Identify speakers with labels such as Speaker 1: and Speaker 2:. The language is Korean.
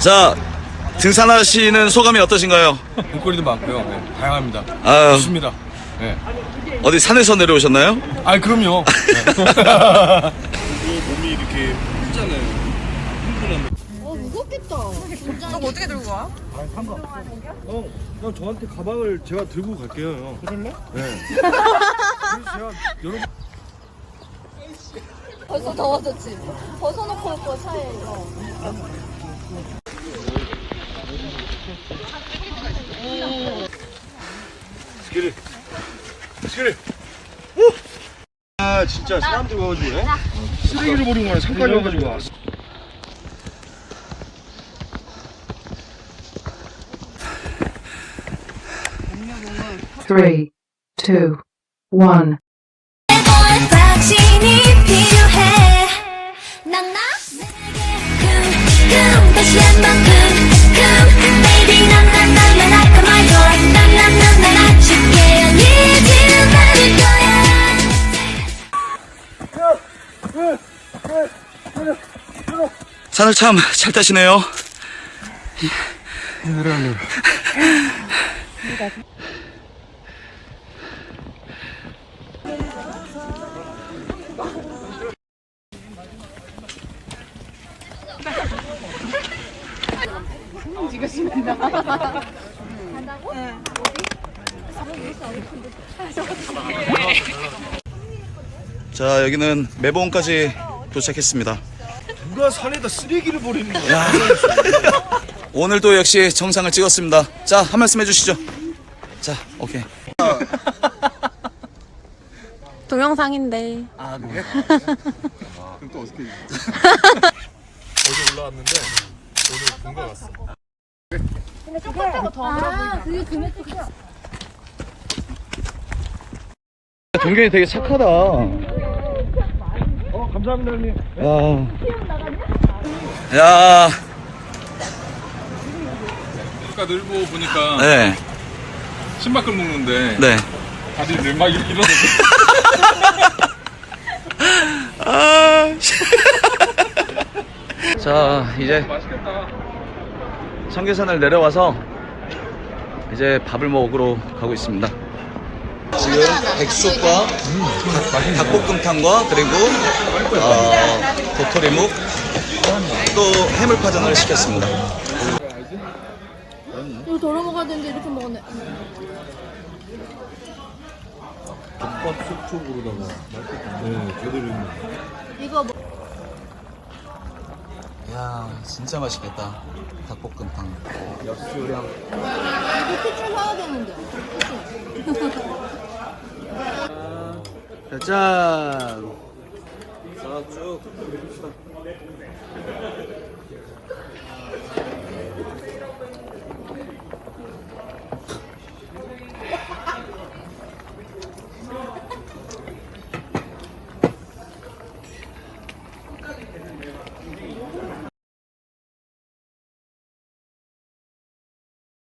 Speaker 1: 자, 등산하시는 소감이 어떠신가요?
Speaker 2: 볼거리도 많고요. 네, 다양합니다.
Speaker 1: 아유.
Speaker 2: 좋습니다. 네.
Speaker 1: 어디 산에서 내려오셨나요?
Speaker 2: 아, 그럼요. 네. 몸이 이렇게 크잖아요.
Speaker 3: 무겁겠다.
Speaker 4: 저거 어떻게 들고 가?
Speaker 2: 형 저한테 가방을 제가 들고 갈게요. 형. 그럴래? 네. 제가 여러
Speaker 3: 벌써 더워졌지? 벗어놓고 올 거 차에 이거.
Speaker 2: 스키리. 스키리. 아 진짜 사람들 와가지고 쓰레기를 버리고 가네. 산까지 와가지고 와.
Speaker 5: Three, two, one.
Speaker 6: 당신이 필요해 난 나? 다시 한번 baby 난난난난 아까 말 좋아 난난난난 아쉽게 I need you 받을 거야
Speaker 1: 산을 참 잘 타시네요.
Speaker 2: 내려가려고.
Speaker 1: 자, 여기는 매봉까지 도착했습니다.
Speaker 2: 누가 산에다 쓰레기를 버리는 거야?
Speaker 1: 오늘도 역시 정상을 찍었습니다. 자, 한 말씀 해주시죠. 자, 오케이.
Speaker 4: 동영상인데.
Speaker 2: 아 그래? 그럼 또 어떻게? 어제 올라왔는데 오늘 본가 갔어.
Speaker 3: 그게 금액 끝이야.
Speaker 1: 동경이 되게 착하다.
Speaker 2: 감사합니다 형님.
Speaker 1: 야,
Speaker 2: 아까 늘보 보니까
Speaker 1: 네,
Speaker 2: 신발끈 묶는데
Speaker 1: 네.
Speaker 2: 다들 막 이러는데.
Speaker 1: 자, 이제
Speaker 2: 맛있겠다.
Speaker 1: 청계산을 내려와서 이제 밥을 먹으러 가고 있습니다. 지금 백숙과 닭볶음탕과 그리고 도토리묵 또 해물파전을 시켰습니다.
Speaker 3: 이거 덜어 먹어야 되는데 이렇게 먹었네.
Speaker 2: 덮밥 속쪽으로다가 맛있겠다. 네, 제대로 있는.
Speaker 3: 이거 뭐.
Speaker 1: 야, 진짜 맛있겠다. 닭볶음탕. 역시 요령.
Speaker 3: 이거 피추 사야 되는데.
Speaker 1: 짠. 자, 쭉.